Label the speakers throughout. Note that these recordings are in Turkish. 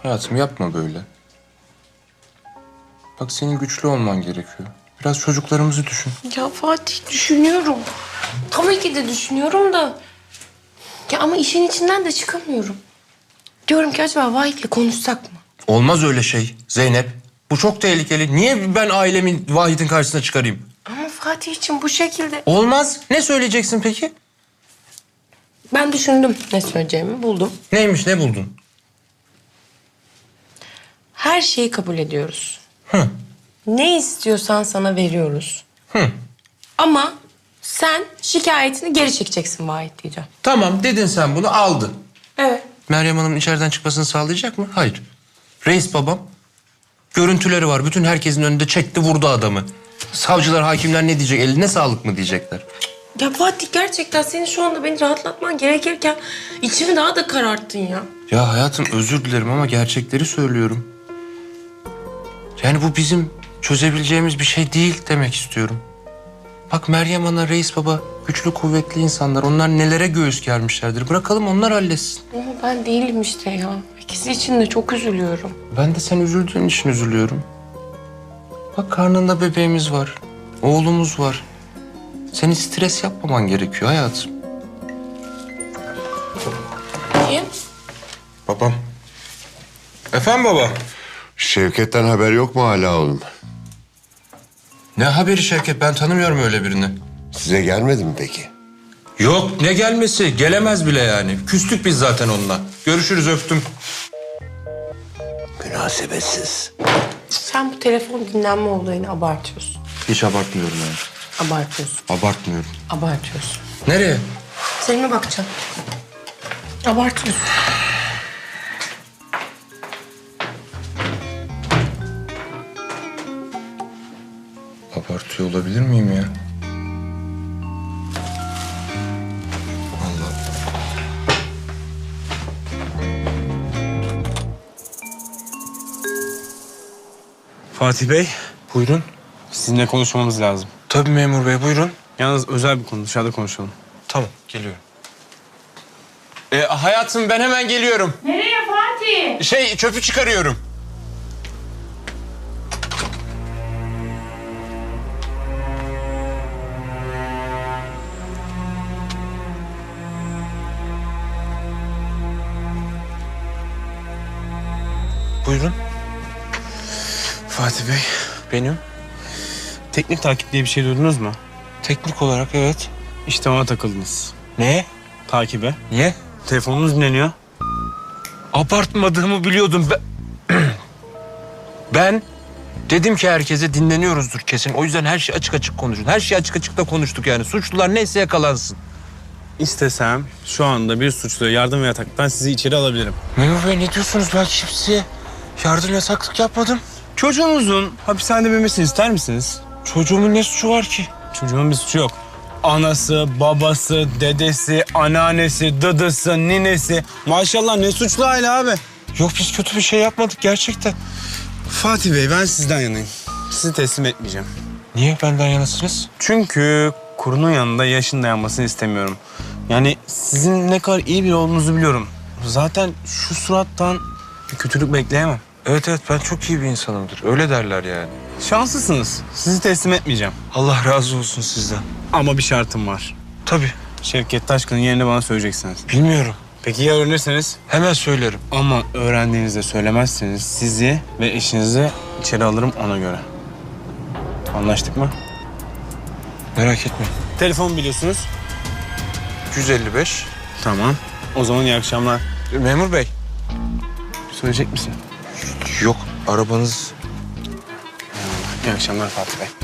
Speaker 1: Hayatım yapma böyle. Bak senin güçlü olman gerekiyor. Biraz çocuklarımızı düşün.
Speaker 2: Ya Fatih düşünüyorum. Tabii ki de düşünüyorum da. Ya ama işin içinden de çıkamıyorum. Diyorum ki acaba Vahit'le konuşsak mı?
Speaker 1: Olmaz öyle şey Zeynep. Bu çok tehlikeli. Niye ben ailemin Vahit'in karşısına çıkarayım?
Speaker 2: Ama Fatih için bu şekilde...
Speaker 1: Olmaz. Ne söyleyeceksin peki?
Speaker 2: Ben düşündüm ne söyleyeceğimi buldum.
Speaker 1: Neymiş, ne buldun?
Speaker 2: Her şeyi kabul ediyoruz.
Speaker 1: Hı.
Speaker 2: Ne istiyorsan sana veriyoruz.
Speaker 1: Hı.
Speaker 2: Ama sen şikayetini geri çekeceksin Vahit diyeceğim.
Speaker 1: Tamam dedin, sen bunu aldın.
Speaker 2: Evet.
Speaker 1: Meryem Hanım'ın içeriden çıkmasını sağlayacak mı? Hayır. Reis babam görüntüleri var. Bütün herkesin önünde çekti vurdu adamı. Savcılar, hakimler ne diyecek? Eline sağlık mı diyecekler?
Speaker 2: Ya Fatih gerçekten senin şu anda beni rahatlatman gerekirken içimi daha da kararttın ya.
Speaker 1: Ya hayatım özür dilerim ama gerçekleri söylüyorum. Yani bu bizim çözebileceğimiz bir şey değil demek istiyorum. Bak Meryem Ana, Reis Baba güçlü kuvvetli insanlar. Onlar nelere göğüs germişlerdir. Bırakalım onlar halletsin.
Speaker 2: Ama ben değilim işte ya. İkisi için de çok üzülüyorum.
Speaker 1: Ben de sen üzüldüğün için üzülüyorum. Bak karnında bebeğimiz var. Oğlumuz var. Senin stres yapmaman gerekiyor hayatım.
Speaker 2: Niye?
Speaker 1: Babam. Efendim baba?
Speaker 3: Şevket'ten haber yok mu hala oğlum?
Speaker 1: Ne haberi Şevket? Ben tanımıyorum öyle birini.
Speaker 3: Size gelmedi mi peki?
Speaker 1: Yok ne gelmesi? Gelemez bile yani. Küstük biz zaten onunla. Görüşürüz, öptüm.
Speaker 3: Münasebetsiz.
Speaker 2: Sen bu telefon dinlenme olayını abartıyorsun.
Speaker 1: Hiç abartmıyorum yani.
Speaker 2: Abartıyorsun.
Speaker 1: Abartmıyorum.
Speaker 2: Abartıyorsun.
Speaker 1: Nereye?
Speaker 2: Seninle bakacağım. Abartıyorsun.
Speaker 1: Abartıyor olabilir miyim ya? Allah Allah.
Speaker 4: Fatih Bey,
Speaker 1: Buyurun.
Speaker 4: sizinle konuşmamız lazım.
Speaker 1: Tabii memur bey, buyurun.
Speaker 4: Yalnız özel bir konu, dışarıda konuşalım.
Speaker 1: Tamam, geliyorum. Hayatım ben hemen geliyorum.
Speaker 5: Nereye Fatih?
Speaker 1: Çöpü çıkarıyorum. Buyurun.
Speaker 4: Fatih Bey,
Speaker 1: Benim.
Speaker 4: teknik takip diye bir şey duydunuz mu?
Speaker 1: Teknik olarak evet.
Speaker 4: İşte ona takıldınız.
Speaker 1: Ne?
Speaker 4: Takibe.
Speaker 1: Niye?
Speaker 4: Telefonunuz dinleniyor.
Speaker 1: Abartmadığımı biliyordum. Ben dedim ki herkese dinleniyoruzdur kesin. O yüzden her şey açık açık konuşun. Her şeyi açık açık da konuştuk yani. Suçlular neyse yakalansın.
Speaker 4: İstesem şu anda bir suçluya yardım ve yataktan sizi içeri alabilirim.
Speaker 1: Memur Bey ne diyorsunuz? Ben kimseye yardım yasaklık yapmadım.
Speaker 4: Çocuğunuzun hapishanede büyümesini ister misiniz?
Speaker 1: Çocuğumun ne suçu var ki?
Speaker 4: Çocuğun bir suçu yok. Anası, babası, dedesi, anneannesi, dıdısı, ninesi. Maşallah ne suçlu aile abi.
Speaker 1: Yok biz kötü bir şey yapmadık gerçekten.
Speaker 4: Fatih Bey ben sizden yanayım. Sizi teslim etmeyeceğim.
Speaker 1: Niye benden yanasınız?
Speaker 4: Çünkü kurunun yanında yaşın dayanmasını istemiyorum. Yani sizin ne kadar iyi biri olduğunuzu biliyorum. Zaten şu surattan bir kötülük bekleyemem.
Speaker 1: Evet ben çok iyi bir insanımdır. Öyle derler yani.
Speaker 4: Şanslısınız. Sizi teslim etmeyeceğim.
Speaker 1: Allah razı olsun sizden.
Speaker 4: Ama bir şartım var.
Speaker 1: Tabii.
Speaker 4: Şevket Taşkın'ın yerini bana söyleyeceksiniz.
Speaker 1: Bilmiyorum.
Speaker 4: Peki ya öğrenirseniz?
Speaker 1: Hemen söylerim.
Speaker 4: Ama öğrendiğinizde söylemezseniz sizi ve eşinizi içeri alırım ona göre. Anlaştık mı?
Speaker 1: Merak etmeyin.
Speaker 4: Telefon biliyorsunuz.
Speaker 1: 155.
Speaker 4: Tamam. O zaman iyi akşamlar.
Speaker 1: Memur Bey.
Speaker 4: Söyleyecek misin?
Speaker 1: Yok arabanız...
Speaker 4: İyi akşamlar Fatih Bey.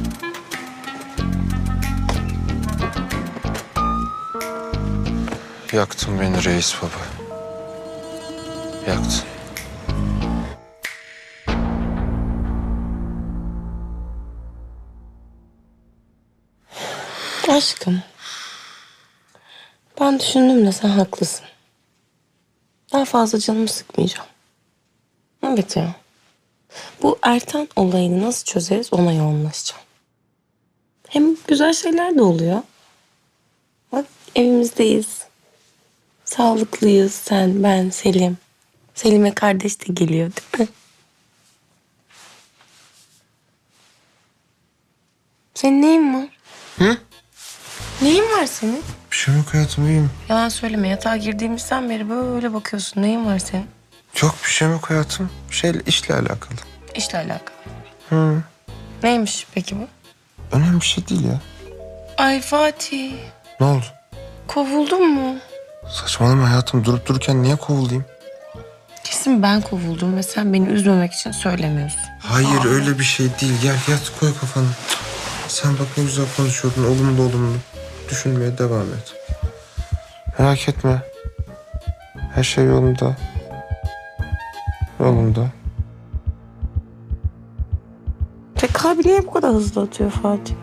Speaker 1: Yaktın beni reis baba. Yaktın.
Speaker 2: Aşkım. Ben düşündüm de sen haklısın. Daha fazla canımı sıkmayacağım. Evet ya. Bu Ertan olayını nasıl çözeriz ona yoğunlaşacağım. Hem güzel şeyler de oluyor. Bak evimizdeyiz. Sağlıklıyız sen, ben, Selim. Selim'e kardeş de geliyor değil mi? Senin neyin var?
Speaker 1: Hı?
Speaker 2: Neyin var senin?
Speaker 1: Bir şey yok hayatım, iyiyim.
Speaker 2: Yalan söyleme, yatağa girdiğimizden beri böyle bakıyorsun. Neyin var senin?
Speaker 1: Yok bir şey yok hayatım. İşle alakalı.
Speaker 2: İşle alakalı.
Speaker 1: Hı.
Speaker 2: Neymiş peki bu?
Speaker 1: Önemli bir şey değil ya.
Speaker 2: Ay Fatih,
Speaker 1: Ne oldu?
Speaker 2: kovuldun mu?
Speaker 1: Saçmalama hayatım, durup dururken niye kovulayım?
Speaker 2: Kesin ben kovuldum ve sen beni üzmemek için söylemiyorsun.
Speaker 1: Hayır öyle bir şey değil. Gel yat, koy kafanı. Sen bak ne güzel konuşuyordun, olumlu olumlu. Düşünmeye devam et. Merak etme. Her şey yolunda. Yolunda.
Speaker 2: Kalbi niye bu kadar hızlı atıyor Fatih?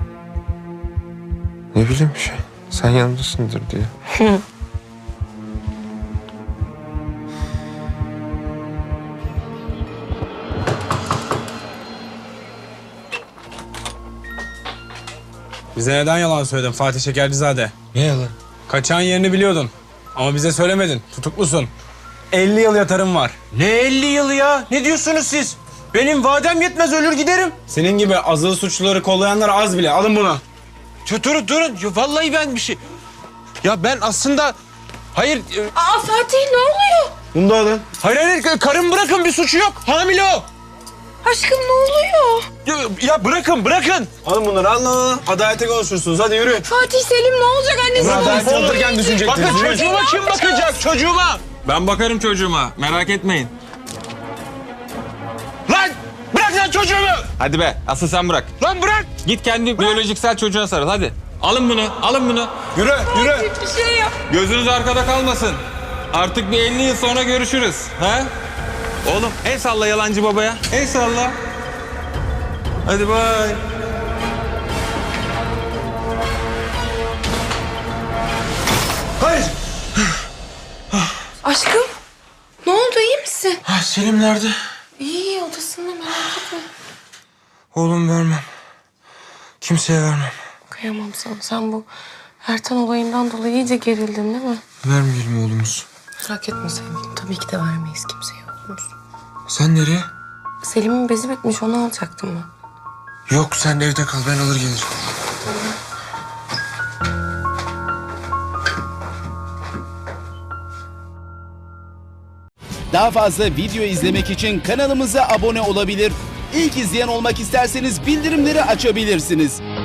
Speaker 1: Ne bileyim bir şey. Sen yanımdasındır diye.
Speaker 4: Bize neden yalan söyledin Fatih Şekercizade?
Speaker 1: Ne yalan?
Speaker 4: Kaçağın yerini biliyordun. Ama bize söylemedin. Tutuklusun. 50 yıl yatarım var.
Speaker 1: Ne 50 yılı ya? Ne diyorsunuz siz? Benim vadem yetmez, ölür giderim.
Speaker 4: Senin gibi azılı suçluları kollayanlar az bile. Alın bunu.
Speaker 1: Durun. Ya, vallahi ben bir şey... Ya ben aslında... Hayır...
Speaker 2: Aa Fatih ne oluyor?
Speaker 4: Bunu da alın.
Speaker 1: Hayır, karım bırakın, bir suçu yok. Hamile o.
Speaker 2: Aşkım ne oluyor?
Speaker 1: Ya bırakın.
Speaker 4: Alın bunları. Alın. Adalete konuşursunuz. Hadi yürü.
Speaker 2: Fatih Selim ne olacak annesi?
Speaker 4: Adalet alırken düşünecektiniz.
Speaker 1: Bakın
Speaker 4: Yürü.
Speaker 1: çocuğuma kim bakacak? Çocuğuma.
Speaker 6: Ben bakarım çocuğuma. Merak etmeyin.
Speaker 1: Lan bırak lan çocuğumu.
Speaker 6: Hadi be. Asıl sen bırak.
Speaker 1: Lan bırak.
Speaker 6: Git kendi biyolojiksel çocuğuna sarıl hadi. Alın bunu.
Speaker 4: Yürü.
Speaker 2: Bir şey yap.
Speaker 6: Gözünüz arkada kalmasın. Artık bir 50 yıl sonra görüşürüz. He? Oğlum el salla yalancı babaya. El salla. Hadi bay.
Speaker 1: Hayır.
Speaker 2: Aşkım ne oldu iyi misin?
Speaker 1: Selim nerede?
Speaker 2: İyi odasında merak etme.
Speaker 1: Oğlum vermem. Kimseye vermem.
Speaker 2: Kıyamam sana. Sen bu Ertan olayından dolayı iyice gerildin değil mi?
Speaker 1: Vermeyelim oğlumuzu.
Speaker 2: Merak etme sevgilim. Tabii ki de vermeyiz kimseye oğlumuzu.
Speaker 1: Sen nereye?
Speaker 2: Selim'in bezi bitmiş onu alacaktım ben.
Speaker 1: Yok sen evde kal, ben alır gelirim.
Speaker 7: Daha fazla video izlemek için kanalımıza abone olabilir. İlk izleyen olmak isterseniz bildirimleri açabilirsiniz.